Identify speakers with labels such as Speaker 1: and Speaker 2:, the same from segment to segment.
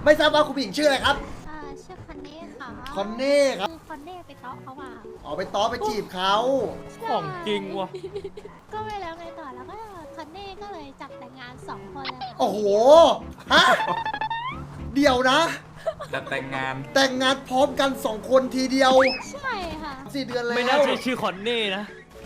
Speaker 1: ไม่ทราบว่าคุณผู้หญิงชื่ออะไรครับ
Speaker 2: ชื่อคอนเน่ค่ะ
Speaker 1: คอนเน่ครับ
Speaker 2: คือคอนเน่ไปเตาะเขาว่า
Speaker 1: อ๋อไปต้อไปจีบเขา
Speaker 3: ของจริงว่ะ
Speaker 2: ก็ไปแล้วไงต่อแล้วก็คอนเน่ก็เลยจับแต่งงาน2 คนเลยค่ะ
Speaker 1: โอ้โหฮะเดี๋ยวนะ
Speaker 4: จะแต่งงาน
Speaker 1: แต่งงานพร้อมกัน2 คนทีเดียว
Speaker 2: ใช่ค่ะ
Speaker 1: 4 เดือนแล้ว
Speaker 3: ไม่น่าใช่ชื่อคอนเน่นะ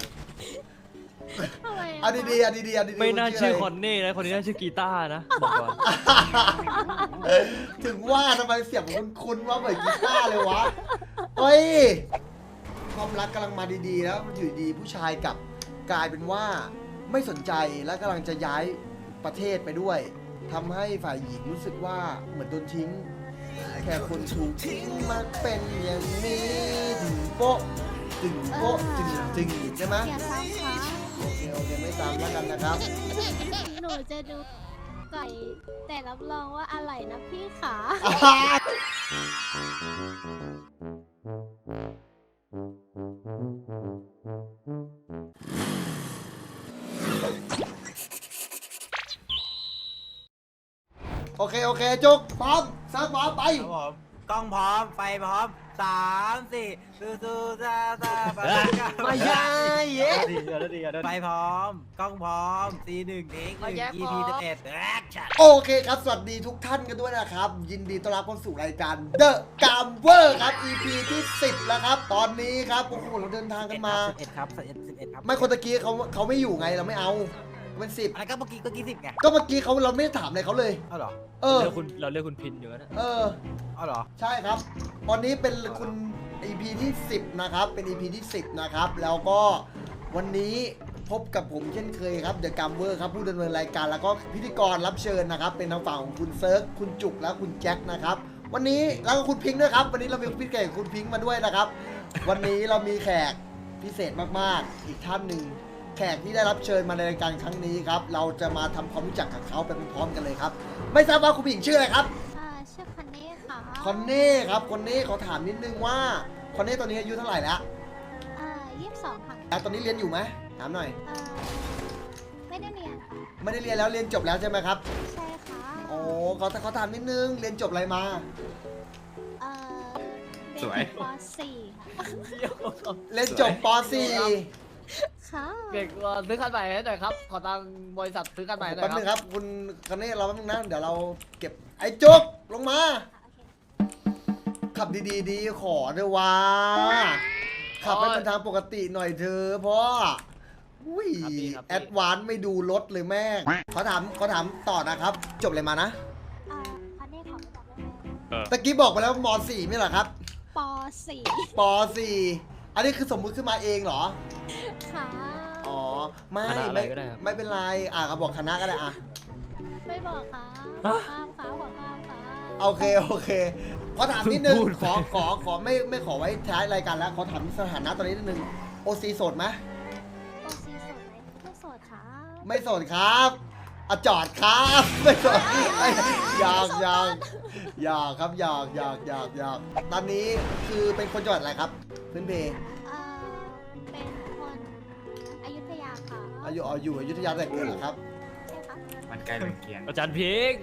Speaker 2: ทำไม
Speaker 1: อันดีๆอันดีๆอันดีๆ
Speaker 3: ไม่น่าชื่อค
Speaker 1: ะ
Speaker 3: อนเน่นะ คนนี้น่าชื่อกีตาร์นะบอกก่อน
Speaker 1: ไรถึงว่าทำไมเสียงคุ้นๆว่าเหมือนกีตาร์เลยวะเฮ้ยความรักกำลังมาดีๆแล้วมันอยู่ดีผู้ชายกลับกลายเป็นว่าไม่สนใจและกำลังจะย้ายประเทศไปด้วยทำให้ฝ่ายหญิงรู้สึกว่าเหมือนโดนทิ้ง แค่คนถูกทิ้งมาเป็นอย่างนี้ถึงโป๊ะถึงโป๊ะจึงใช่ไหม
Speaker 2: อย่าซ้ำค่ะ
Speaker 1: โอเคไม่ตามแล้วกันนะครับ
Speaker 2: หนูจะดูไก่แต่รับรองว่าอร่อยนะพี่ขา
Speaker 1: โอเคจุกพร้อมซักพร้อมไป
Speaker 5: ครับผมกล้องพร้อม ไฟพร้อม3 4สู้ๆซ่าๆไป
Speaker 3: ไม่ใช่เย้
Speaker 5: ไฟพร้อม กล้องพร้อม C1 เทค
Speaker 3: มาแยก
Speaker 5: 1
Speaker 3: พร้
Speaker 5: EP
Speaker 3: อม
Speaker 5: 11แอคชั่น
Speaker 1: โอเคครับ สวัสดีทุกท่านกันด้วยนะครับ ยินดีต้อนรับเข้าสู่รายการ The Gamer ครับ EP ที่ 10 แล้วครับ ตอนนี้ครับโอ้โหเราเดินทางกันมา
Speaker 5: 11ครับ11ครับ
Speaker 1: ไม่คนตะกี้เขาไม่อยู่ไงเราไม่เอาเป็น10
Speaker 5: อะไรก็เมื่อกี้10ไง
Speaker 1: ก็เมื่อกี้เราไม่ได้ถามอะไรเขาเลย
Speaker 5: เอาเหรอ
Speaker 1: เออ
Speaker 3: เราเรียกคุณพินอยู่นะ
Speaker 1: เออ
Speaker 5: เอาเหรอ
Speaker 1: ใช่ครับ วันนี้เป็นคุณ EP ที่ 10 นะครับ เป็น EP ที่ 10 นะครับ แล้วก็วันนี้พบกับผมเช่นเคยครับ The Gamer ครับ ผู้ดำเนินรายการแล้วก็พิธีกรรับเชิญนะครับ เป็นทางฝั่งของคุณเซิร์ฟคุณจุกและคุณแจ็คนะครับ วันนี้แล้วก็คุณพิงค์ด้วยครับ วันนี้เรามีพิเศษคุณพิงค์มาด้วยนะครับ วันนี้เรามีแขกพิเศษมากๆ อีกท่านหนึ่งแขกที่ได้รับเชิญมาในรายการครั้งนี้ครับ เราจะมาทำความรู้จักกับเขาไปพร้อมๆกันเลยครับ ไม่ทราบว่าคุณผู้หญิงชื่ออะไรครับ
Speaker 2: ชื่อคอนเน่ค่ะ
Speaker 1: คอนเน่ครับคอนเน่ขอถามนิดนึงว่าคอนเน่ตอนนี้อายุเท่าไหร่แล้ว
Speaker 2: 22ค่ะ
Speaker 1: แล้วตอนนี้เรียนอยู่ไหมถามหน่อย
Speaker 2: ไม่ได้เรียนค่ะ
Speaker 1: ไม่ได้เรียนแล้วเรียนจบแล้วใช่ไหมครับ
Speaker 2: ใช่ค่ะ
Speaker 1: โอ้เขาถามนิดนึงเรียนจบอะไรมา
Speaker 2: เรียน
Speaker 4: สวย
Speaker 2: จบป .4 ค่ะ
Speaker 1: เรียนจบป
Speaker 2: ค่ะ
Speaker 3: เด็กซื้อคันใหม่ให้หน่อยครับ ขอตังค์บริษัทซื้อคันใหม่
Speaker 1: .4
Speaker 3: หน่อ
Speaker 1: แป๊
Speaker 3: ย
Speaker 1: บ
Speaker 3: ค
Speaker 1: นึง
Speaker 3: รับ
Speaker 1: ครับคุณคอนเน่เราแป๊บนึงนะเดี๋ยวเราเก็บไอ้จุกลงมา ขับดีๆดีขอเถอะว่าขับให้เป็นทางปกติหน่อยเถอะพ่ออุ้ยแอดวานซ์ไม่ดูรถเลยแม่งเขาถามต่อนะครับ จบอะไรมานะ
Speaker 2: คอนเน่ขอไม่บอกได้ไหม
Speaker 1: ตะกี้บอกไปแล้วม .4 ไม่เหรอครับ
Speaker 2: ป .4
Speaker 1: ป .4 อันนี้คือสมมุติขึ้นมาเองเหรอ
Speaker 2: ค่ะ
Speaker 1: อ๋อ ไม่
Speaker 3: คณะอะไรก็ได้ครับ
Speaker 1: ไม่เป็นไร ก็บอกคณะก็ได้อ่ะ
Speaker 2: ไม่บอกค่ะ
Speaker 3: ฮะ
Speaker 2: ข้ามค่ะหัวข้ามค่ะ
Speaker 1: โอเคขอถามนิดนึง
Speaker 3: พูด
Speaker 1: ขอไม่ขอไว้ท้ายรายการแล้ว ขอถามสถานะตอนนี้นิดนึงโอซีโสดไหม
Speaker 2: โอซีโสดไหมไม่โสดค่ะ
Speaker 1: ไม่โสดครับอะจอดครับ ไม่โสดอยากครับอยากตอนนี้คือเป็นคนจังหวัดอะไรครับพื้นเพ
Speaker 2: เป็นคนอยุธยาค่ะ
Speaker 1: อยู่อยุธยาแต่เกิดเหรอครับ
Speaker 2: ใช่ค่ะ
Speaker 4: มันใกล้เรือนเคียง
Speaker 3: อาจารย์พิงค์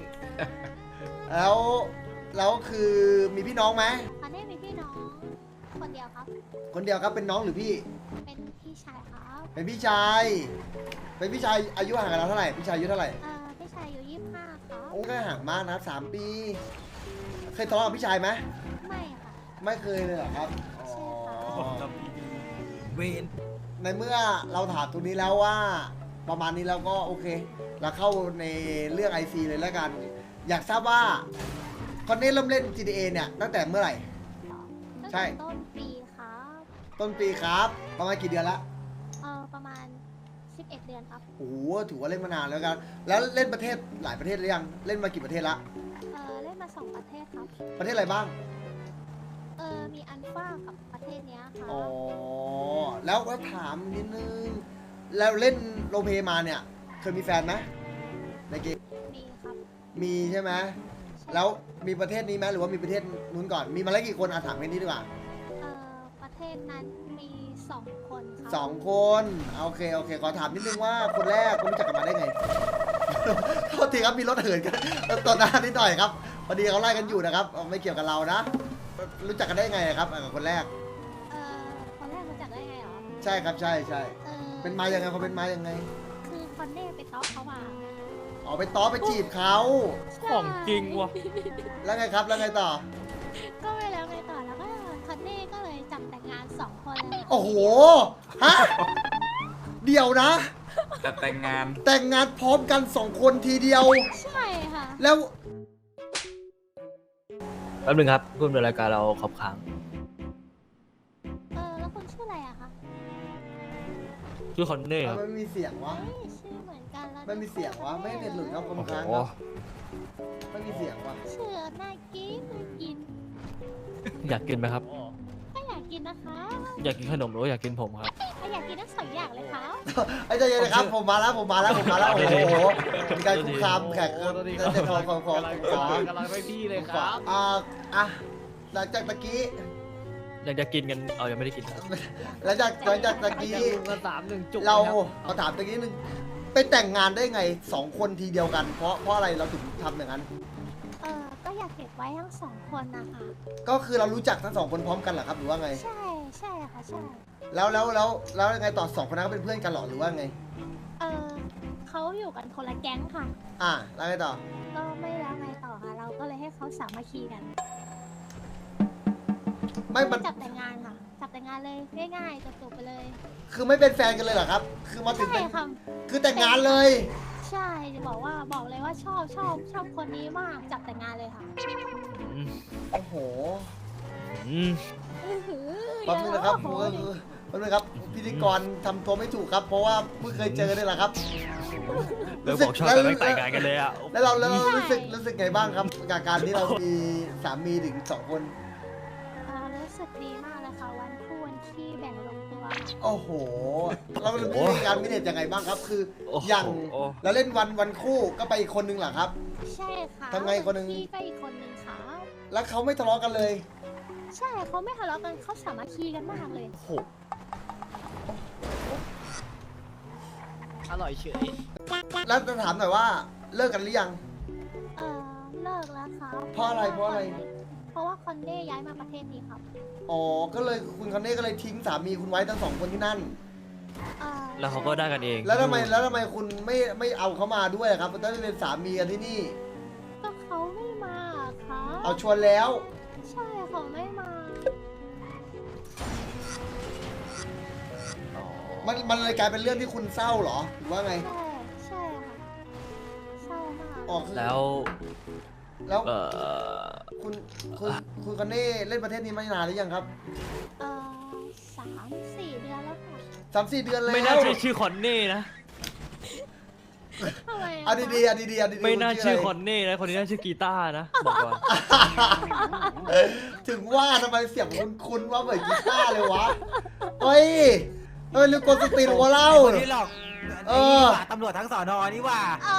Speaker 1: แล้วคือมีพี่น้องไหม
Speaker 2: คอนเน่มีพี่น้องคนเดียวครับ
Speaker 1: คนเดียวครับเป็นน้องหรือพี่
Speaker 2: เป็นพี่ชายครับ
Speaker 1: เป็นพี่ชาย อายุห่างกันเราเท่าไหร่ พี่ชายอายุเท่าไหร่
Speaker 2: พี่ชายอยู่25ครับ
Speaker 1: โอ้ก็ห่างมากนะ3 ปี เคยทะเลาะกับพี่ชายไหม
Speaker 2: ไม่ค่ะ
Speaker 1: ไม่เคยเลยเหรอครับ
Speaker 2: ใช่ค่ะ
Speaker 1: อ๋อ
Speaker 5: เวน
Speaker 1: ในเมื่อเราถามตรงนี้แล้วว่า ประมาณนี้เราก็โอเค เราเข้าในเรื่อง IC เลยแล้วกัน อยากทราบว่าคอนเน่เริ่มเล่น GTA เนี่ยตั้งแต่เมื่อไหร่
Speaker 2: ตั้ง
Speaker 1: ใช่
Speaker 2: แต่ต้นปีครับ
Speaker 1: ต้นปีครับ ประมาณกี่เดือนละ
Speaker 2: ประมาณ11 เดือนครับ
Speaker 1: โอ้โหถือว่าเล่นมานานแล้วกัน แล้วเล่นประเทศหลายประเทศหรือยัง เล่นมากี่ประเทศละ
Speaker 2: เล่นมา2 ประเทศครับ
Speaker 1: ประเทศอะไรบ้าง
Speaker 2: มีอันฟ้ากับประเทศเนี้ยค่ะ
Speaker 1: อ๋อ แล้วก็ถามนิดนึง แล้วเล่นโรลเพลย์มาเนี่ย เคยมีแฟนไหมในเกม
Speaker 2: มีครับ
Speaker 1: มีใช่ไหม แล้วมีประเทศนี้ไหมหรือว่ามีประเทศนู้นก่อน มีมาแล้วกี่คนถามแค่นี้ดีกว่า
Speaker 2: ประเทศนั้นมี2 คนครับ
Speaker 1: 2 คน โอเค ขอถามนิดนึงว่าคนแรกคุณรู้จักกันมาได้ไง โทษทีครับมีรถเหินกันตอนหน้านิดหน่อยครับพอดีเขาไล่กันอยู่นะครับไม่เกี่ยวกับเรานะ รู้จักกันได้ไงครับกับคนแรก
Speaker 2: คนแรกรู้จักได้ไงเหรอ
Speaker 1: ใช่ครับใช่ใช่
Speaker 2: เออ
Speaker 1: เป็นมายังไงเขาเป็นมายังไง
Speaker 2: คือคอนเน่ไปต๊อกเขามา
Speaker 1: อ๋อไปต้อไปจีบเขา
Speaker 6: ของจริงว่ะ
Speaker 1: แล้วไงครับแล้วไงต่อ
Speaker 2: ก็ไปแล้วไงต่อแล้วก็คอนเน่ก็เลยจับแต่งงาน2 คนเลย
Speaker 1: โอ้โหฮะเดี๋ยวนะ
Speaker 4: จะแต่งงาน
Speaker 1: แต่งงานพร้อมกัน2 คนทีเดียว
Speaker 2: ใช่ค่ะ
Speaker 1: แล้ว
Speaker 6: แป๊บนึงครับพูดในรายการเราขอบค้าง
Speaker 2: แล้วคุณชื่ออะไรอะคะ
Speaker 6: ชื่อคอนเน่ครับ
Speaker 1: ไม่มีเสียงวะ
Speaker 2: เฮ้ยชื่อเหมือนกันแล้ว
Speaker 1: ไม่มีเสียงวะไม่เน็ตหลุดครับค
Speaker 6: โอ้
Speaker 1: น
Speaker 6: โห
Speaker 1: ค้างครับไม่มีเสียงวะ
Speaker 2: ชื่อน่ากินน่ากิน
Speaker 6: อยากกินไหมครับ
Speaker 2: ก็อยากกินนะคะ
Speaker 6: อยากกินขนมหรือว่าอยากกินผมครับ
Speaker 2: ก็อยากกินทั้ง2 อย่างเลยค่ะ
Speaker 1: ไอ้ใจเย็นนะครับผมมาแล้วโอ้โหมีการคุกคามแขก
Speaker 3: โอ้ตอนนี้
Speaker 1: จะขอก
Speaker 3: ำลังไปพี่เลยครับ
Speaker 1: หลังจากตะกี้
Speaker 6: อยากจะกินกันเอายังไม่ได้กินครับ
Speaker 1: หลังจากตะกี้
Speaker 3: จะลุงกัน3-1 จุก
Speaker 1: เรา
Speaker 3: ลยคบ
Speaker 1: เอาถามตะกี้นึงไปแต่งงานได้ไง2 คนทีเดียวกัน เพราะอะไรเราถึงทำอย่างนั้น
Speaker 2: ก็อยากเก็บไว้ทั้ง2 คนนะคะ
Speaker 1: ก็คือเรารู้จักทั้ง2 คนพร้อมกันเหรอครับหรือว่าไง
Speaker 2: ใช่ใช่ค่ะใช่
Speaker 1: แล้วยังไงต่อ2 คนนั้นก็เป็นเพื่อนกันเหรอหรือว่าไง
Speaker 2: เขาอยู่กันคนละแก๊งค่ะ
Speaker 1: แล้วไงต่อ
Speaker 2: ก็ไม่แล้วไงต่อค่ะ เราก็เลยให้เขาสามัคคีกัน
Speaker 1: ไม่มัน
Speaker 2: จับแต่งงานค่ะ จับแต่งงานเลยง่ายๆจบๆไปเลย
Speaker 1: คือไม่เป็นแฟนกันเลยเหรอครับ คือมาถึง
Speaker 2: ใช่
Speaker 1: เป็น
Speaker 2: ค่ะ
Speaker 1: คือแต่งงานเลย
Speaker 2: ใช่จะบอกเลยว่าชอบคนนี้มากจับแต่งงานเลยค่ะ
Speaker 6: อืม
Speaker 1: โอ้โห
Speaker 6: อืม
Speaker 1: แป๊บนึงนะครับผมก็คือแป๊บนึงครับพิธีกรทำตัวไม่ถูกครับ เพราะว่าเพิ่งเคยเจอนี่แหละครับ
Speaker 6: แล้วบอกชอบกันไม่แต่งงานกันเลยอ่ะ
Speaker 1: แล้วเรารู้สึกไงบ้างครับกับการที่เรามีสามีถึง2 คน
Speaker 2: รู้สึกดีมากเลยค่ะวันคู่วันขี้แบ่งลงตัว
Speaker 1: โอ้โห เราเป็นวิธีการมิเนจยังไงบ้างครับ คือ
Speaker 6: โอ้โห
Speaker 1: อย่างเราเล่นวันคู่ก็ไปอีกคนนึงเหรอครับ
Speaker 2: ใช่ค่ะ
Speaker 1: ทำไงคนหนึ่ง
Speaker 2: ขี้ก็อีกคนนึงค่ะ
Speaker 1: แล้วเขาไม่ทะเลาะกันเลย
Speaker 2: ใช่เขาไม่ทะเลาะกันเขาสามัคคีกันมากเลย
Speaker 6: โอ้โห
Speaker 3: อร่อยเฉย
Speaker 1: แล้วจะถามหน่อยว่าเลิกกันหรือยัง
Speaker 2: เลิกแล้วครับ
Speaker 1: เพราะอะไร
Speaker 2: เพราะว่าคอนเน่ย้ายมาประเทศนี้ครับ
Speaker 1: อ๋อ ก็เลยคุณคอนเน่ก็เลยทิ้งสามีคุณไว้ทั้ง2 คนที่นั่น
Speaker 6: แล้วเขาก็ได้กันเอง
Speaker 1: แล้วทำไมคุณไม่เอาเขามาด้วยครับต้องเป็นสามีกันที่นี่
Speaker 2: ก็เขาไม่มาครับ
Speaker 1: เอาชวนแล้ว
Speaker 2: ใช่เขาไม่มา
Speaker 6: อ๋อ
Speaker 1: มันเลยกลายเป็นเรื่องที่คุณเศร้าเหรอหรือว่าไง
Speaker 2: ใช่ค่ะเศร้ามาก
Speaker 1: อ๋อคือ
Speaker 6: แล้ว
Speaker 1: แล้ว
Speaker 6: เออ
Speaker 1: คุณคอนเน่เล่นประเทศนี้มานานหรือยังครับ
Speaker 2: 3-4 เดือนแล้วค่ะ
Speaker 1: 3-4 เดือนแล้ว
Speaker 6: ไม่น่าใช่ชื่อคอนเน่นะ
Speaker 2: ทำไมะ
Speaker 1: เอาดีๆเอาดีๆ
Speaker 6: ไม่น่าชื่อค
Speaker 1: คุ
Speaker 6: อนเน่นะ คนนี้น่าชื่อกีตาร์นะ บอกก่อน
Speaker 1: ถึงว่าทำไมเสียงคุ้นๆว่าเหมือนกีตาร์เลยวะเฮ้ยเรื่องกดสติหรือว่าเล่า
Speaker 5: คนที่หลอก
Speaker 1: เออ
Speaker 5: ตำรวจทั้งสอนอนี่ว่า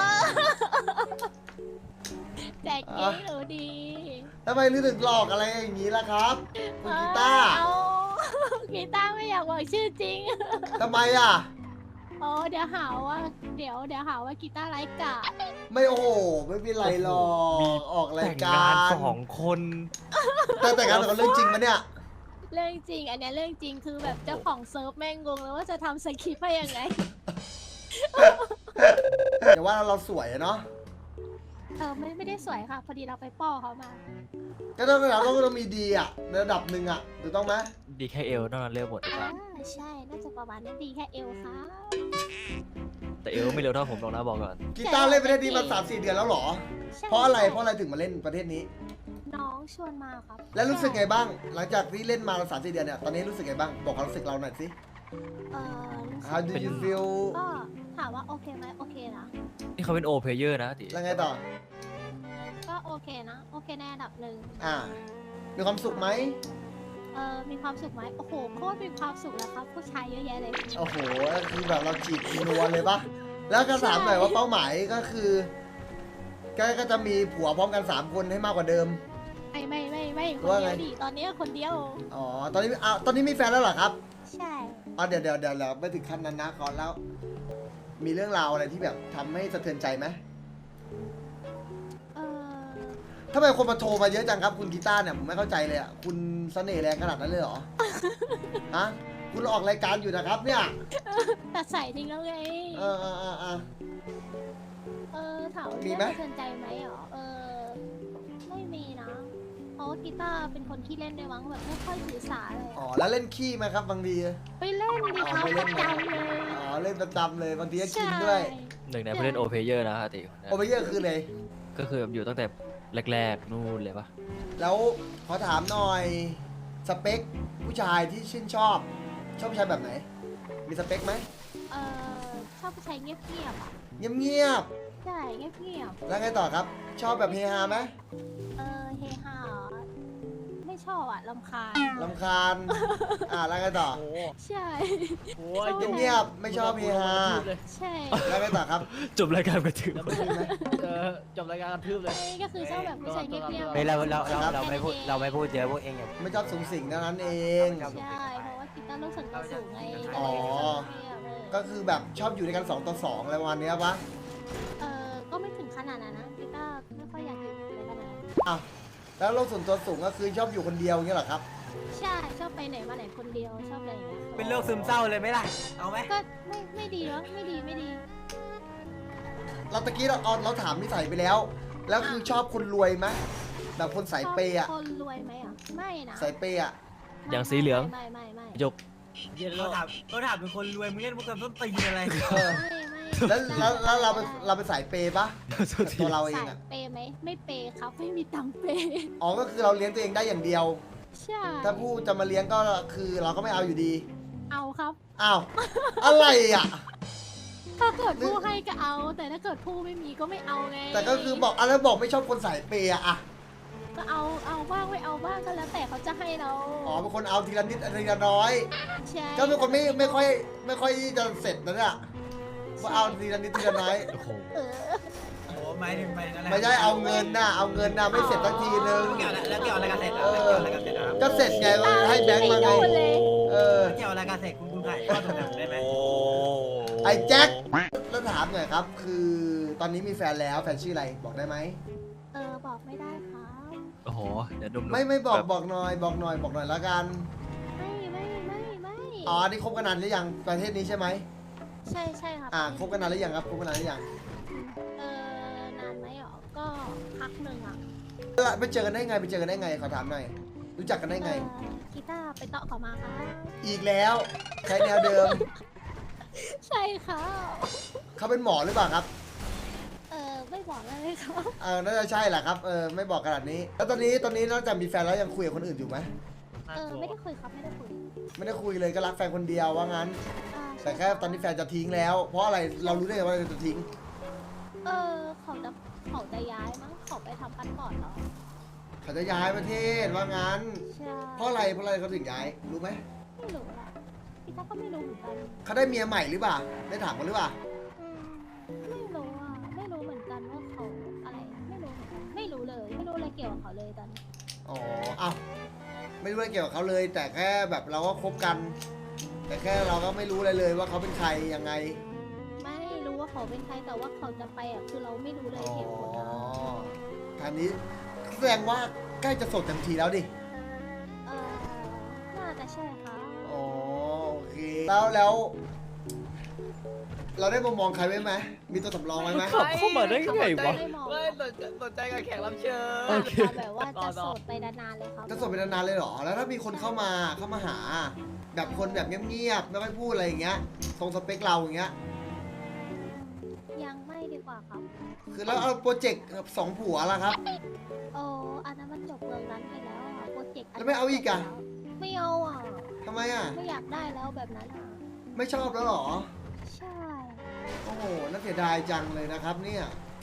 Speaker 2: แจกยิ้มหนูดี
Speaker 1: ทำไมถึงหลอกอะไรอย่างนี้ล่ะครับคุณกีตาร์
Speaker 2: เอากีตาร์ไม่อยากบอกชื่อจริง
Speaker 1: ทำไมอ่ะ
Speaker 2: โอ้เดี๋ยวหาว่าเดี๋ยวหาว่ากีตาร์ไร้กาด
Speaker 1: ไม่โอ้โหไม่เป็นไรหรอ
Speaker 6: มี
Speaker 1: กออกราย
Speaker 6: แต่ง
Speaker 1: กาง
Speaker 6: าน
Speaker 1: ร
Speaker 6: 2 คน
Speaker 1: แต่งงานเป็นเรื่องจริงปะเนี่ย
Speaker 2: เรื่องจริง อันเนี้ยเรื่องจริงคือแบบเจ้าของเซิร์ฟแม่งงงเลยว่าจะทำสคริปต์ให้ยังไง
Speaker 1: แต่ว่าเราสวยอะเนาะ
Speaker 2: ไม่ได้สวยค่ะ พอดีเราไปป้อเขามา
Speaker 1: ก็ต้องมีดีอ่ะในระดับหนึ่งอ่ะถูกต้องไหม
Speaker 6: ดีแค่เอวนอกนั้นเร็วหมดดีกว่า
Speaker 2: ใช่ น่าจะประมาณนั้นดีแค่เอวค่ะ
Speaker 6: แต่เอวไม่เร็วเท่าผมหรอกนะบอกก่อน
Speaker 1: กีตาร์เล่นประเทศนี้มา3-4 เดือนแล้วเหรอ
Speaker 2: ใช่
Speaker 1: เพราะอะไรถึงมาเล่นประเทศนี้
Speaker 2: น้องชวนมาครับ
Speaker 1: แล้วรู้สึกไงบ้าง หลังจากที่เล่นมา3-4 เดือนเนี่ย ตอนนี้รู้สึกไงบ้าง บอกความรู้สึกเราหน่อยสิ
Speaker 2: รู้สึก
Speaker 1: How do you feel
Speaker 2: ก็ถามว่าโอเคไหมโอเคนะ
Speaker 6: นี่เขาเป็นโอเพเยอร์นะติ
Speaker 1: แล้วไงต่อ
Speaker 2: ก็โอเคนะ โอเคในระดับหนึ่ง
Speaker 1: มีความสุขไหม
Speaker 2: มีความสุขไหมโอ้โหโคตรมีความสุขแล้วครับ ผู้ชายเยอะแยะเลย
Speaker 1: โอ้โหคือแบบเราจีบนัวเลยปะแล้วก็ถามหน่อยว่าเป้าหมายก็คือก็จะมีผัวพร้อมกัน3 คนให้มากกว่าเดิม
Speaker 2: ไม่คน
Speaker 1: ว่า
Speaker 2: เดี
Speaker 1: ไง
Speaker 2: ยวดิตอนนี้คนเดียว
Speaker 1: อ๋อ ตอนนี้มีแฟนแล้วเหรอครับ
Speaker 2: ใช่
Speaker 1: เดี๋ยวไม่ถึงขั้นนั้นนะขอแล้ว มีเรื่องราวอะไรที่แบบทำให้สะเทือนใจไหม
Speaker 2: เออ
Speaker 1: ทำไมคนมาโทรมาเยอะจังครับคุณกีตาร์เนี่ยผมไม่เข้าใจเลยอ่ะคุณเสน่ห์แรงขนาดนั้นเลยเหรอ ฮะคุณออกรายการอยู่นะครับเนี่ย
Speaker 2: แต่ใส่ทิ้งแล้วไง
Speaker 1: เออ
Speaker 2: ถามว่า
Speaker 1: มี
Speaker 2: เรื่อง
Speaker 1: ไหม
Speaker 2: สะเทือนใจไหมเหรอไม่มีนะ เพราะว่ากีตาร์เป็นคนขี้เล่นด้วยมั้งแบบไม่ค่อยถือสาเลย
Speaker 1: อ๋อแล้วเล่นขี้ไหมครับบางที
Speaker 2: ไปเล่นดิครับ
Speaker 1: ไป
Speaker 2: ป
Speaker 1: เล่
Speaker 2: ระ
Speaker 1: น
Speaker 2: จำเลย
Speaker 1: อ๋อเล่นประจำเลยบางทีก็กินด้วย
Speaker 6: หนึ่งในผู้เล่นโอเพเยอร์นะอาติ
Speaker 1: โอเปเยอร์คือเลย
Speaker 6: ก็คือแบบอยู่ตั้งแต่แรกๆนู่นเลยปะ
Speaker 1: แล้วขอถามหน่อยสเปคผู้ชายที่ชื่นชอบผู้ชายแบบไหน มีสเปคไหม
Speaker 2: ชอบผู้ชายเงียบๆอ่ะ
Speaker 1: เงียบ
Speaker 2: ใช่เงียบ
Speaker 1: ๆแล้วไงต่อครับ ชอบแบบเฮฮาไหม
Speaker 2: เฮฮาเหรอไม่ชอบอ่ะรำคาญ
Speaker 1: รำคาญ แล้วไงต่อ
Speaker 3: โอ้โห
Speaker 2: ใช่
Speaker 3: โอ้ย
Speaker 1: เงียบๆไม่ชอบเฮฮา
Speaker 2: ใช่
Speaker 1: แล้วไงต่อครับ
Speaker 6: จบรายการกระถือ
Speaker 3: แล้วไม่จบรายการกระทืบเลย
Speaker 2: ก็คือชอบแบบผู้ชายเงียบๆ
Speaker 5: เฮ้ยเราไม่พูดเยอะพวกเองอย่า
Speaker 1: ไม่ชอบสูงสิงเท่านั้นเอง
Speaker 2: ใช่ เพราะว่ากีตาร์ลูกสันตัวสูงไง
Speaker 1: อ๋อ ก็คือแบบชอบอยู่ด้วยกัน2 ต่อ 2อะไรประมาณเนี้ยปะ
Speaker 2: ก็ไม่ถึงขนาดนั้นนะกีตาร์ไม่ค่อยอยากอยู่อะไรขนาดนั้น
Speaker 1: อ้าวแล้วโลกส่วนตัวสูงก็คือชอบอยู่คนเดียวอย่างเงี้ยเหรอครับ
Speaker 2: ใช่ชอบไปไหนมาไหนคนเดียวชอบอะไรอย่างเงี้ย
Speaker 5: เป็นโรคซึมเศร้าเลยไหมล่ะเอาไหม
Speaker 2: ก็ไม่ดีวะไม่ดี
Speaker 1: เราตะกี้เราถามนิสัยไปแล้ว แล้วคือชอบคนรวยไหมแบบคนสายเปย์อะ
Speaker 2: ชอบคนรวยไหมอ่ะไม่นะ
Speaker 1: สายเปย์อะ
Speaker 6: อย่างสีเหลือง
Speaker 2: ไม่
Speaker 6: ยก
Speaker 3: เย็น
Speaker 5: เขา
Speaker 3: แล้ว
Speaker 5: ถามเป็นคนรวยมึงเล่นมุกกันต้นตีนอะไร
Speaker 1: เออ แล้วเราเป็นสายเปย์ปะตัวเราเอง
Speaker 2: สาย
Speaker 1: อะ
Speaker 2: เปย์ไหมไม่เปย์ครับไม่มีตังค์เปย์
Speaker 1: อ๋อก็คือเราเลี้ยงตัวเองได้อย่างเดียว
Speaker 2: ใช่
Speaker 1: ถ้าผู้จะมาเลี้ยงก็คือเราก็ไม่เอาอยู่ดี
Speaker 2: เอาครับ
Speaker 1: อ้าว อะไรอ่ะ
Speaker 2: ถ้าเกิดผู้ให้ก็เอา แต่ถ้าเกิดผู้ไม่มีก็ไม่เอาไง
Speaker 1: แต่ก็คือบอกอะไรบอกไม่ชอบคนสายเปย์อะ
Speaker 2: ก็เอาบ้างไม่เอาบ้างก็แล้วแต่เขาจะให้เรา
Speaker 1: อ๋อเป็นคนเอาทีละนิดทีละน้อย
Speaker 2: ใช่
Speaker 1: ก็เป็นคนไม่ค่อยจะเสร็จนั่นอะว่าเอาทีละนิดทีละน้อย
Speaker 6: โอ้โห
Speaker 2: เออ
Speaker 5: โอ้หมายถึงไปนั่นแหละ
Speaker 1: ไม่ใช่เอาเงินน่ะเอาเงินน่ะไม่เสร็จสักทีนึง
Speaker 5: เกี่ยวอะไรกันเสร็จแล้วเกี่ยวอะไรกันเสร็จแล้ว
Speaker 1: ก็เสร็จไงให้แบงค์มาไง
Speaker 2: ไม่โดนเลย
Speaker 1: เออ
Speaker 5: เกี่ยวอะไรกันเสร็จคุณถ่ายทอดตรงนั้นได้ไหม
Speaker 1: ไอ้แจ็คแล้วถามหน่อยครับ คือตอนนี้มีแฟนแล้วแฟนชื่ออะไรบอกได้ไหม
Speaker 2: บอกไม่ได้ครับ
Speaker 6: โอ้โห เดี๋ยวดุมๆ
Speaker 1: ไม่บอก
Speaker 6: แบบ
Speaker 1: บอกหน่อยแล้วกัน
Speaker 2: ไม่
Speaker 1: อ๋ออันนี่คบกันนานหรือยังประเทศนี้ใช่ไหม
Speaker 2: ใช่ครับ
Speaker 1: คบกันนานหรือยังครับคบกันนานหรือยัง
Speaker 2: นานไหมหรอก็พักหนึ่งอ่ะ
Speaker 1: แล้วไปเจอกันได้ไงขอถามหน่อยรู้จักกันได้ไง
Speaker 2: กีตาร์ไปเตาะเขามาค่ะ
Speaker 1: อีกแล้วใช้แนวเดิม
Speaker 2: ใช่ค่ะ
Speaker 1: เขาเป็นหมอหรือเปล่าครับ
Speaker 2: ไม่บอกเลยครับ
Speaker 1: น่าจะใช่แหละครับไม่บอกขนาดนี้ แล้วตอนนี้นอกจากมีแฟนแล้วยังคุยกับคนอื่นอยู่ไหม
Speaker 2: ไม่ได้คุยครับไม่ได้คุย
Speaker 1: ไม่ได้คุยเลยก็รักแฟนคนเดียวว่างั้น
Speaker 2: ใช่
Speaker 1: แต่แค่ตอนนี้แฟนจะทิ้งแล้ว เพราะอะไรเรารู้ได้ไงว่าจะทิ้ง
Speaker 2: เขาจะย้ายมั้งเขาไปทำพาสปอร์ตเหรอ
Speaker 1: เขาจะย้ายประเทศว่างั้น
Speaker 2: ใช่
Speaker 1: เพราะอะไรเขาถึงย้ายรู้ไหม
Speaker 2: ไม่รู้อะพี่ตาก็ไม่รู้เหมือนกัน
Speaker 1: เขาได้เมียใหม่หรือเปล่าได้ถามกันหรือเปล่า
Speaker 2: ไม่รู้อะไม่รู้เหมือนกันว่าเขาอะไรไม่รู้เหมือนกันไม่รู้เลยไม่รู้อะไรเกี่ยวกับเขาเลยตอนนี้
Speaker 1: อ๋ออ้าวไม่รู้อะไรเกี่ยวกับเขาเลย แต่แค่แบบเราก็คบกัน แต่แค่เราก็ไม่รู้อะไรเลยว่าเขาเป็นใครยังไง
Speaker 2: ไม่รู้ว่าเขาเป็นใครแต่ว่าเขาจะไปอ่ะคือเราไม่รู้เลย
Speaker 1: อ๋อ
Speaker 2: เหตุผลอะ
Speaker 1: ทางนี้แสดงว่าใกล้จะโสดเต็มทีแล้วดิ
Speaker 2: น่าจะใช่ค่ะ
Speaker 1: อ๋อโอเคแล้วเราได้มุมมองใครไว้ไหมมีตัวสำรองไว้ไหม
Speaker 6: ขับเข้ามาได้ไงวะ
Speaker 2: ไม่มอง
Speaker 3: เฮ้ยสนใจกับแขกรับเชิญ
Speaker 6: โอเค
Speaker 2: แบบว่าจะโสดไปนานๆเลยครับ
Speaker 1: จะโสดเป็นนานๆเลยเหรอแล้วถ้ามีคนเข้ามาหา แบบคนแบบเงียบๆไม่ค่อยพูดอะไรอย่างเงี้ยตรงสเปคเราอย่างเงี้ย
Speaker 2: ยังไม่ดีกว่าครับ
Speaker 1: คือแล้วเอาโปรเจกต์สองผัวล่ะครับ
Speaker 2: โอ้อันนั้นมันจบเรื่องนั้นไปแล้วอ่ะโปรเจกต์
Speaker 1: แล้วไม่เอาอีกอะ
Speaker 2: ไม่เอาอ่ะ
Speaker 1: ทำไมอ่ะ
Speaker 2: ไม่อยากได้แล้วแบบนั้นอ่ะ
Speaker 1: ไม่ชอบแล้วเหรอ
Speaker 2: ใช่
Speaker 1: โอ้โหน่าเสียดายจังเลยนะครับเนี่ย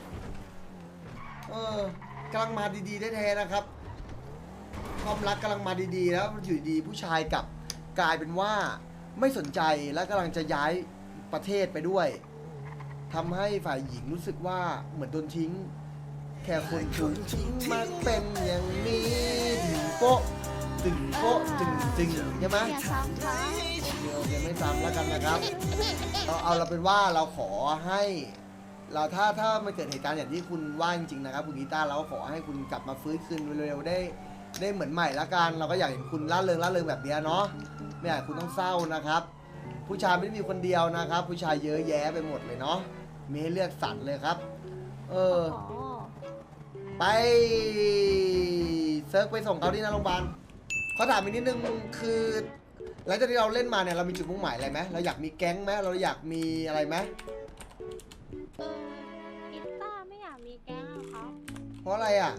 Speaker 1: กำลังมาดีๆแท้ๆนะครับ ความรักกำลังมาดีๆแล้วอยู่ดีผู้ชายกลับกลายเป็นว่าไม่สนใจและกำลังจะย้ายประเทศไปด้วยทำให้ฝ่ายหญิงรู้สึกว่าเหมือนโดนทิ้ง แค่คนถูกทิ้งมาเป็นอย่างนี้ถึงโป๊ะถึงโป๊ะถึงใช่ไหม
Speaker 2: อย่าซ้ำค่ะ
Speaker 1: โอเคไม่ซ้ำแล้วกันนะครับเอาเราเป็นว่าเราขอให้เราถ้ามันเกิดเหตุการณ์อย่างที่คุณว่าจริงๆนะครับคุณกีตาร์เราก็ขอให้คุณกลับมาฟื้นคืนเร็วๆได้เหมือนใหม่ละกันเราก็อยากเห็นคุณร่าเริงแบบนี้เนาะไม่อยากให้คุณต้องเศร้านะครับ ผู้ชายไม่ได้มีคนเดียวนะครับ ผู้ชายเยอะแยะไปหมดเลยเนาะมีให้เลือกสรรเลยครับ ไปเซิร์ฟไปส่งเขาที่หน้าโรงพยาบาลเขาถามอีกนิดนึงคือหลังจากที่เราเล่นมาเนี่ยเรามีจุดมุ่งหมายอะไรไหมเราอยากมีแก๊งไหมเราอยากมีอะไรไหม
Speaker 2: กีตาร์ไม่อยากมีแก๊งอะครับ
Speaker 1: เพราะอะไรอ่ะ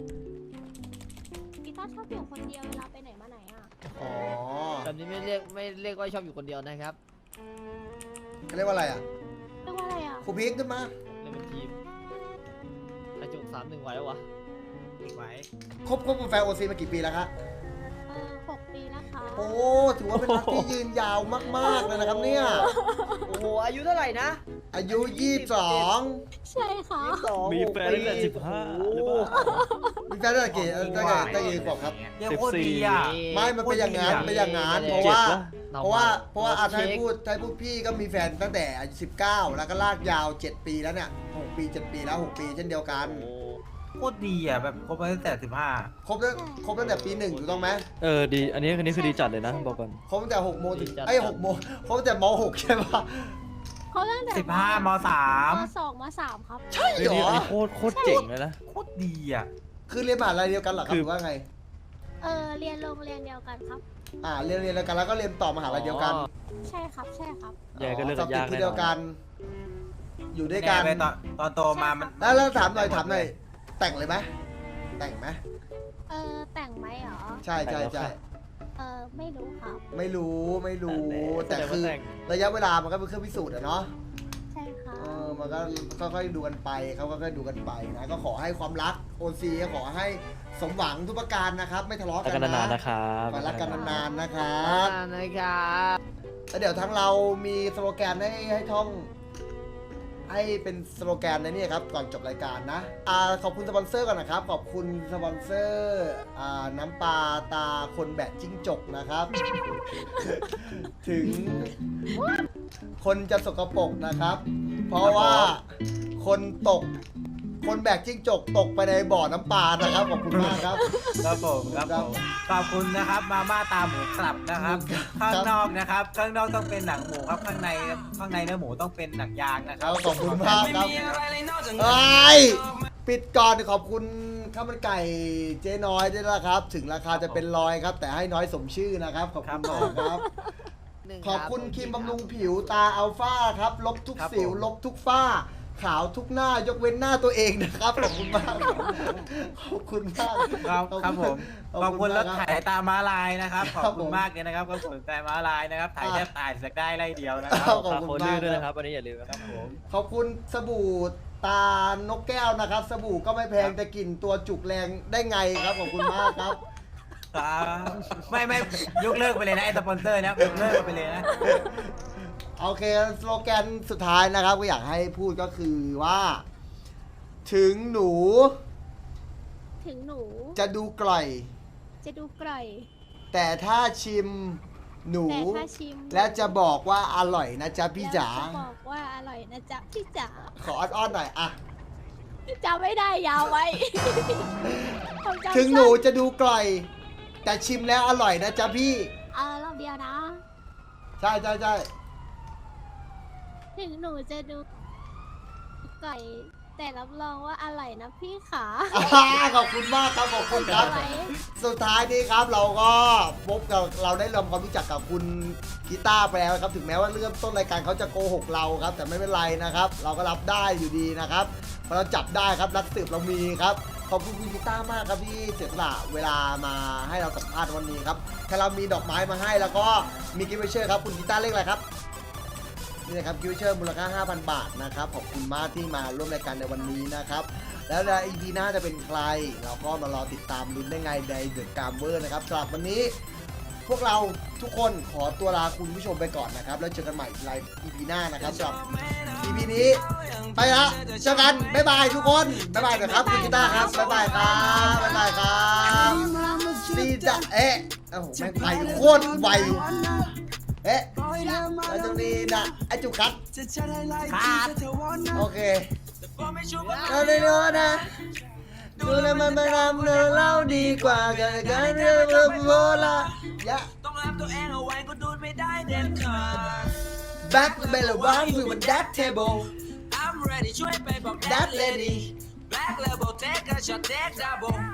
Speaker 2: กีตาร์ชอบอยู่คนเดียวเวลาไปไหนมาไหนอะ
Speaker 1: อ๋อ
Speaker 3: แบบนี้ไม่เรียกว่าชอบอยู่คนเดียวนะครับ
Speaker 1: เขาเรียกว่าอะไรอ่ะ
Speaker 2: เรียกว่าอะไรอะ
Speaker 1: ครูพีคขึ้นมา
Speaker 3: เล่นเป็นทีมกระจุก3-1ไหวแล้ววะ
Speaker 5: อีกไว้
Speaker 1: คบเป็นแฟนโอซีมากี่ปีแล้วครับ
Speaker 2: 6 ปีแล้วค่ะ
Speaker 1: โอ้ถือว่าเป็นรักที่ยืนยาวมากๆเลยนะครับเนี่ย
Speaker 3: โอ้โหอายุเท่าไหร่นะ
Speaker 1: อายุ 22
Speaker 2: ใช่ค่ะ
Speaker 6: มีแฟนตั้งแต่15หรือเปล่า
Speaker 1: มีแฟนตั้งแต่กี่บอกครับ
Speaker 5: ยังโคตรดีอ่ะ
Speaker 1: ไม่มันเป็นอย่างนั้นเป็นอย่างนั้นเพราะว่า เพราะว่าอาไทยพูดพี่ก็มีแฟนตั้งแต่อายุ19 แล้วก็ลากยาว 7 ปีแล้วเนี่ย6 ปี 7 ปีแล้ว 6 ปีเช่นเดียวกัน
Speaker 5: โคตรดีอ่ะแบบคบมาตั้งแต่15
Speaker 1: ครบตั้งแต่ปี 1ถูกต้องไหม
Speaker 6: ดีอันนี้คือดีจัดเลยนะบอกก่อน
Speaker 1: ครบตั้งแต่6 โมงถึง6 โมงครบตั้งแต่ม 6 ใช่ปะ
Speaker 2: เขาตั้งแต่
Speaker 5: 15ม3
Speaker 2: ม2ม3ครับ
Speaker 1: ใช่เหรอ
Speaker 6: อันนี้โคตรเจ๋งเลยนะ
Speaker 5: โคตรดีอ่ะ
Speaker 1: คือเรียนมหาลัยเดียวกันเหรอครับหรือว่าไง
Speaker 2: เรียนโรงเรียนเดียวกันครับ
Speaker 1: เรียนแล้วกันแล้วก็เรียนต่อมหาลัยเดียวกัน
Speaker 2: ใช่ครับใช่ครับ
Speaker 6: ยังไงก็เลิกกันยาก
Speaker 1: สอบติดที่
Speaker 6: แน่นอน
Speaker 1: เดียวกัน อยู่ด้วยกัน
Speaker 5: แไปตอนโตมามัน
Speaker 1: แล้วถามหน่อยแต่งเลยไหมแต่งไหม
Speaker 2: แต่งไหมเหรอ
Speaker 1: ใช่
Speaker 2: ไม่รู้ครับ
Speaker 1: ไม่รู้แต่
Speaker 6: แสดง
Speaker 1: คื
Speaker 6: ว่า
Speaker 1: อ
Speaker 6: แต่ง
Speaker 1: ระยะเวลามันก็เป็นเครื่องพิสูจน์อะเนาะ
Speaker 2: ใช่ค่ะ
Speaker 1: มันก็ค่อยๆดูกันไปเขาก็ค่อยๆดูกันไปนะก็ขอให้ความรักโอซีขอให้สมหวังทุกประการนะครับ ไม่ทะเลาะ
Speaker 6: รัก
Speaker 1: กั
Speaker 6: กัน น
Speaker 1: นะ
Speaker 6: นานๆนะครับ
Speaker 1: ขอรักกันนานๆนะครับ
Speaker 3: นะครับ
Speaker 1: แล้วเดี๋ยวทั้งเรามีสโลแกนให้ท่องให้เป็นสโลแกนในนี่ครับก่อนจบรายการนะขอบคุณสปอนเซอร์ก่อนนะครับขอบคุณสปอนเซอร์น้ำปลาตาคนแบกจิ้งจกนะครับ ถึงคนจะสกปรกนะครับ เพราะว่าคนแบกจิ้งจกตกไปในบ่อน้ำปลานะครับขอบคุณมากครับ
Speaker 5: ครับผมขอบคุณนะครับมาม่าตาหมูกลับนะครับข้างนอกนะครับข้างนอกต้องเป็นหนังหมูครับข้างในเนื้อหมูต้องเป็นหนังยางนะค
Speaker 1: ค
Speaker 5: รั
Speaker 1: รั
Speaker 5: บบ
Speaker 1: ขอบคุณมากครับปิดก่อนขอบคุณข้าวมันไก่เจ๊น้อยด้วยนะครับ ถึงราคาจะเป็นร้อยครับ แต่ให้น้อยสมชื่อนะครับขอบคุณมากครับ ขอบคุณครีมบำรุงผิวตาอัลฟาครับลบทุกสิวลบทุกฝ้า ขาวทุกหน้ายกเว้นหน้าตัวเองนะครับขอบคุณมากขอบคุณมาก
Speaker 5: ครับผมขอบคุณรถไถตามม้าลายนะครับข
Speaker 1: ครั
Speaker 5: อ
Speaker 1: บบ ผม
Speaker 5: คุณมากเลยนะครับขอบคุณแต่ม้าลายนะครับถ่ายแทบตายสักได้ไล่เดียวนะค
Speaker 1: ครั
Speaker 5: รับ
Speaker 1: ขอบ
Speaker 6: ฝาก
Speaker 1: คุณ
Speaker 6: โค
Speaker 1: มาก
Speaker 6: ดื้อด้วย
Speaker 1: ค
Speaker 6: นะค
Speaker 1: รั
Speaker 6: รับ บอันนี้อย่าลืมนะครับผม
Speaker 5: ผม
Speaker 1: ขอบคุณสบู่ตานกแก้วนะครับ สบู่ก็ไม่แพงแต่กลิ่นตัวจุกแรงได้ไงครับขอบคุณมากครับ
Speaker 5: ไม่ยกเลิกไปเลยนะไอ้สปอนเซอร์นะยกเลิกไปเลยนะ
Speaker 1: โอเคสโลแกนสุดท้ายนะครับก็อยากให้พูดก็คือว่า ถึงหนู
Speaker 2: ถึงหนู
Speaker 1: จะดูกร่อย
Speaker 2: จะดูกร่อย
Speaker 1: แต่ถ้าชิมหนู
Speaker 2: แต่ถ้าชิม
Speaker 1: และจะบอกว่าอร่อยนะจ๊ะพี่จ๋า
Speaker 2: แล้วจะบอกว่าอร่อยนะจ๊ะพี่จ๋า
Speaker 1: ขออ้อนๆหน่อยอะ
Speaker 2: จำไม่ได้ยาวไว้ ผมจำ
Speaker 1: ถึงหนูจะดูกร่อย แต่ชิมแล้วอร่อยนะจ๊ะพี่
Speaker 2: รอบเดียวนะ
Speaker 1: ใช่ใช่ใช่
Speaker 2: ถึงหนูจะดูไก่แต่รับรองว่าอร่อยนะพี่ขา
Speaker 1: ขอบคุณมากครับขอบคุณครับ
Speaker 2: ไว้
Speaker 1: สุดท้ายนี้ครับเราก็พบกับเราได้ทำความรู้จักกับคุณกีตาร์ไปแล้วครับถึงแม้ว่าเริ่มต้นรายการเขาจะโกหกเราครับ แต่ไม่เป็นไรนะครับ เราก็รับได้อยู่ดีนะครับเพราะเราจับได้ครับนักสืบเรามีครับขอบคุณคุณกีตาร์มากครับที่เสียสละเวลามาให้เราสัมภาษณ์วันนี้ครับถ้าเรามีดอกไม้มาให้แล้วก็มีกิฟต์วอเชอร์ครับคุณกีตาร์เลขอะไรครับนี่นะครับกิฟต์วอเชอร์มูลค่า 5,000 บาทนะครับขอบคุณมากที่มาร่วมรายการในวันนี้นะครับ แล้วใน EP หน้าจะเป็นใครเราก็มารอติดตามลุ้นได้ไงในเดอะการ์เวอร์นะครับสำหรับวันนี้ พวกเราทุกคนขอตัวลาคุณผู้ชมไปก่อนนะครับ แล้วเจอกันใหม่ใน EP หน้านะครับสำหรับ EP นี้ไปละเจอกันบ๊ายบายทุกคนบ๊ายบายนะครับคุณกีตาร์ครับบ๊ายบายครับบ๊ายบายครับดีจ้ะโอ้โหแม่งไปโคตรไวเอ๊ะแล้วตรงนี้นะไอจุกครับ
Speaker 5: ครับ
Speaker 1: โอเคเราได้รู้นะดูแลมันมานำเล่าดีกว่ากันกันเรื่องโบราณยะ
Speaker 7: ต้องรับตัวเองเอาไว้ก็ดูไม่ได้เด็ดขาด
Speaker 1: Back to the one with that table
Speaker 7: I'm ready ช่วยไปบอก
Speaker 1: that lady
Speaker 7: Black level take a shot take double